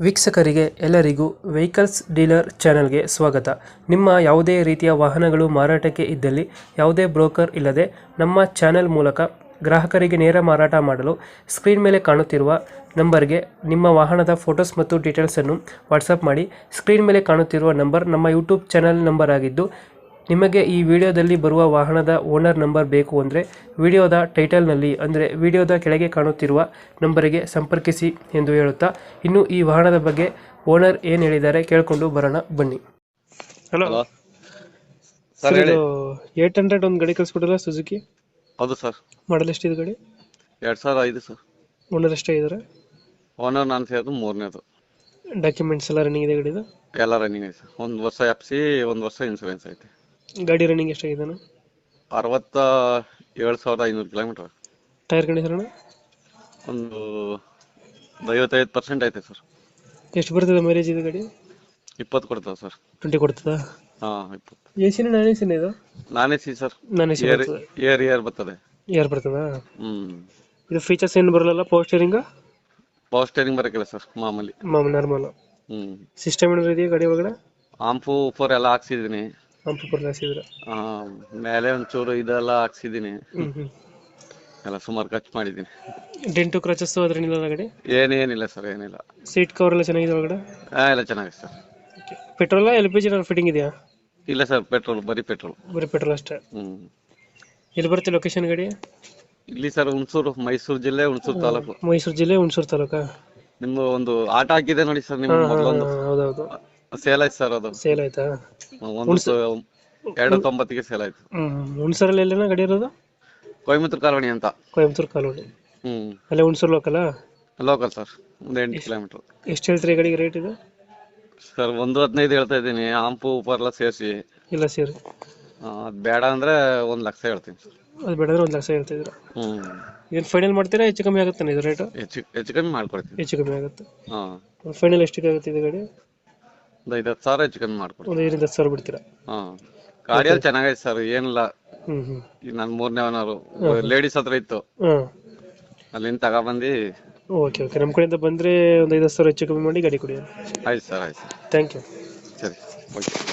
ವೀಕ್ಷಕರಿಗೆ ಎಲ್ಲರಿಗೂ vehicles dealer ಚಾನೆಲ್ಗೆ ಸ್ವಾಗತ. ನಿಮ್ಮ ಯಾವುದೇ ರೀತಿಯ ವಾಹನಗಳು ಮಾರಾಟಕ್ಕೆ ಇದ್ದಲ್ಲಿ ಯಾವುದೇ ಬ್ರೋಕರ್ ಇಲ್ಲದೆ ನಮ್ಮ ಚಾನೆಲ್ ಮೂಲಕ ಗ್ರಾಹಕರಿಗೆ ನೇರ ಮಾರಾಟ ಮಾಡಲು ಸ್ಕ್ರೀನ್ ಮೇಲೆ ಕಾಣುತ್ತಿರುವ ನಂಬರ್ಗೆ ನಿಮ್ಮ ವಾಹನದ ಫೋಟೋಸ್ ಮತ್ತು ಡೀಟೇಲ್ಸನ್ನು ವಾಟ್ಸಪ್ ಮಾಡಿ. ಸ್ಕ್ರೀನ್ ಮೇಲೆ ಕಾಣುತ್ತಿರುವ ನಂಬರ್ ನಮ್ಮ ಯೂಟ್ಯೂಬ್ ಚಾನೆಲ್ ನಂಬರ್ ಆಗಿದ್ದು, ನಿಮಗೆ ಈ ವಿಡಿಯೋದಲ್ಲಿ ಬರುವ ವಾಹನದ ಓನರ್ ನಂಬರ್ ಬೇಕು ಅಂದರೆ ವಿಡಿಯೋದ ಟೈಟಲ್ನಲ್ಲಿ ಅಂದರೆ ವಿಡಿಯೋದ ಕೆಳಗೆ ಕಾಣುತ್ತಿರುವ ನಂಬರಿಗೆ ಸಂಪರ್ಕಿಸಿ ಎಂದು ಹೇಳುತ್ತಾ, ಇನ್ನು ಈ ವಾಹನದ ಬಗ್ಗೆ ಓನರ್ ಏನು ಹೇಳಿದ್ದಾರೆ ಕೇಳಿಕೊಂಡು ಬರೋಣ ಬನ್ನಿ. ಹಲೋ ಸರ್ ಹೇಳಿ. 800 ಒಂದು ಗಾಡಿ ಕಳಿಸ್ಕೊಡಲ್ಲ ಸುಜುಕಿ? ಹೌದು ಸರ್. ಮಾಡಲ್ ಎಷ್ಟಿದೆ ಗಾಡಿ? 2005 ಸರ್. ಓನರ್ ಎಷ್ಟೇ ಇದ್ದಾರೆ? ಓನರ್ ನಾನು ಸೇರಿದ್ದು 3ನೇದು. ಡಾಕ್ಯುಮೆಂಟ್ಸ್ ಎಲ್ಲ ರನ್ನಿಂಗ್ ಇದೆ ಗಾಡಿದು? ಎಲ್ಲ ರನ್ನಿಂಗ್ ಐತೆ ಸರ್. 1 ವರ್ಷ FC 1 ವರ್ಷ ಇನ್ಸೂರೆನ್ಸ್ ಐತೆ. ಗಾಡಿ ರನ್ನಿಂಗ್ ಎಷ್ಟಾಗಿದೆ? 67,500 ಕಿಲೋಮೀಟರ್. ಟೈರ್ ಕಂಡೀಷನ್ ಒಂದು 55% ಐತೆ ಸರ್. ಎಷ್ಟು ಬರ್ತದೆ ಮೈಲೇಜ್ ಇದು ಗಾಡಿ? 20 ಕೊಡ್ತದೆ ಸರ್. 20 ಕೊಡ್ತದಾ? ಹಾಂ 20. ಎಸಿನ ನಾನ್ ಎಸಿನ ಇದು? Non AC sir. Non AC air ಬರ್ತದೆ. ಏರ್ ಬರ್ತದಾ? ಹ್ಮ್. ಇದು ಫೀಚರ್ಸ್ ಏನು ಬರಲ್ಲ? Power steering? ಪವರ್ ಸ್ಟೇರಿಂಗ್ ಬರಕಿಲ್ಲ ಸರ್, ಮಾಮೂಲಿ ನಾರ್ಮಲ್. ಹ್ಮ್. ಸಿಸ್ಟಮ್ ಏನಾದ್ರು ಇದೆಯಾ ಗಾಡಿ ಒಳಗಡೆ? ಆಂಪು ಫೋರ್ ಎಲ್ಲ ಹಾಕ್ಸಿದೀನಿ. ಪಂಪರ್ ಹಾಕ್ಸಿದ್ರೆ ಮೇಲೆ ಒಂಚೂರು ಇದೆಲ್ಲ ಹಾಕ್ಸಿದೀನಿ. ಎಲ್ಲ ಸುಮಾರು ಖರ್ಚು ಮಾಡಿದ್ದೀನಿ. ಡೆಂಟು ಕ್ರಚಸ್ ಅದ್ರೇನಿಲ್ಲ ಗಾಡಿ? ಏನಿಲ್ಲ ಸರ್, ಏನಿಲ್ಲ. ಸೀಟ್ ಕವರ್ ಎಲ್ಲ ಚೆನ್ನಾಗಿದೆ ಒಳಗಡೆ? ಎಲ್ಲ ಚೆನ್ನಾಗಿದೆ ಸರ್. ಪೆಟ್ರೋಲ್ LPG ಫಿಟ್ಟಿಂಗ್ ಇದೆಯಾ? ಇಲ್ಲ ಸರ್, ಪೆಟ್ರೋಲ್, ಬರೀ ಪೆಟ್ರೋಲ್. ಬರೀ ಪೆಟ್ರೋಲ್ ಅಷ್ಟೇ. ಎಲ್ಲಿ ಬರುತ್ತೆ ಲೊಕೇಶನ್ ಗಾಡಿ? ಇಲ್ಲಿ ಸರ್ ಹುಣಸೂರು, ಮೈಸೂರು ಜಿಲ್ಲೆ, ಹುಣಸೂರು ತಾಲೂಕು. ಮೈಸೂರು ಜಿಲ್ಲೆ, ಹುಣಸೂರು ತಾಲೂಕಾ? ನಿಮ್ದು ಒಂದು ಆಟ ಹಾಕಿದೆ ನೋಡಿ ಸರ್, ನಿಮ್ಮ ಮೊದಲೊಂದು. ಹೌದೌದು. ಸೇಲ್ ಆಯ್ತು ಸರ್, ಅದು ಸೇಲ್ ಆಯ್ತಾ? 290ಗೆ ಸೇಲ್ ಆಯ್ತು. ಹುಣಸೂರಲ್ಲಿ ಎಲ್ಲೇನ ಗಾಡಿ ಇರೋದು? ಕೊಯಮತ್ತೂರು ಕಾಲೋನಿ ಅಂತ. ಕೊಯಮತ್ತೂರು ಕಾಲೋನಿ. ಅಲ್ಲೇ ಹುಣಸೂರು ಲೋಕಲ್? ಲೋಕಲ್ ಸರ್, ಒಂದು 8 ಕಿಲೋಮೀಟರ್. ಎಷ್ಟು ಹೇಳ್ತೀರಿ ಗಾಡಿಗೆ ರೇಟ್ ಇದು? ಸರ್ 1.15 ಹೇಳ್ತಾ ಇದ್ದೀನಿ, ಆಂಪು ಉಪರ್ ಎಲ್ಲ ಸೇರಿಸಿ. ಇಲ್ಲ ಸೇರಿ ಅದು ಬೇಡ ಅಂದ್ರೆ 1 ಲಕ್ಷ ಹೇಳ್ತೀನಿ ಸರ್. ಅದು ಬೇಡ ಅಂದ್ರೆ 1 ಲಕ್ಷ ಹೇಳ್ತಿದ್ರು. ಏನು ಫೈನಲ್ ಮಾಡ್ತೀರಾ? ಹೆಚ್ಚು ಕಮ್ಮಿ ಆಗುತ್ತೆ ಇದು ರೇಟ್? ಹೆಚ್ಚು ಕಮ್ಮಿ ಮಾಡ್ಕೊಡ್ತೀನಿ. ಹೆಚ್ಚು ಕಮ್ಮಿ ಆಗುತ್ತೆ. ಫೈನಲ್ ಎಷ್ಟಿಗೆ ಆಗುತ್ತೆ ಇದು ಗಾಡಿ? ಒಂದು 5,000 ಹೆಚ್ಚು ಕಮ್ಮಿ ಮಾಡ್ಕೊಡ್ತೀನಿ. ಒಂದು 5,000 ಬಿಡ್ತೀರಾ? ಗಾಡಿಯಲ್ಲಿ ಚೆನ್ನಾಗೈತೆ ಸರ್, ಏನಿಲ್ಲ. ಈಗ ನಾನು 3ನೇ ಓನರು, ಲೇಡೀಸ್ ಹತ್ರ ಇತ್ತು, ಅಲ್ಲಿಂದ ತಗೊಬಂದು. ಓಕೆ, ನಮ್ಮ ಕಡೆಯಿಂದ ಬಂದರೆ ಒಂದು 5,000 ಹೆಚ್ಚು ಕಮ್ಮಿ ಮಾಡಿ ಗಾಡಿ ಕೊಡಿ. ಆಯ್ತು ಸರ್, ಆಯ್ತು. Thank you. ಸರಿ, ಓಕೆ.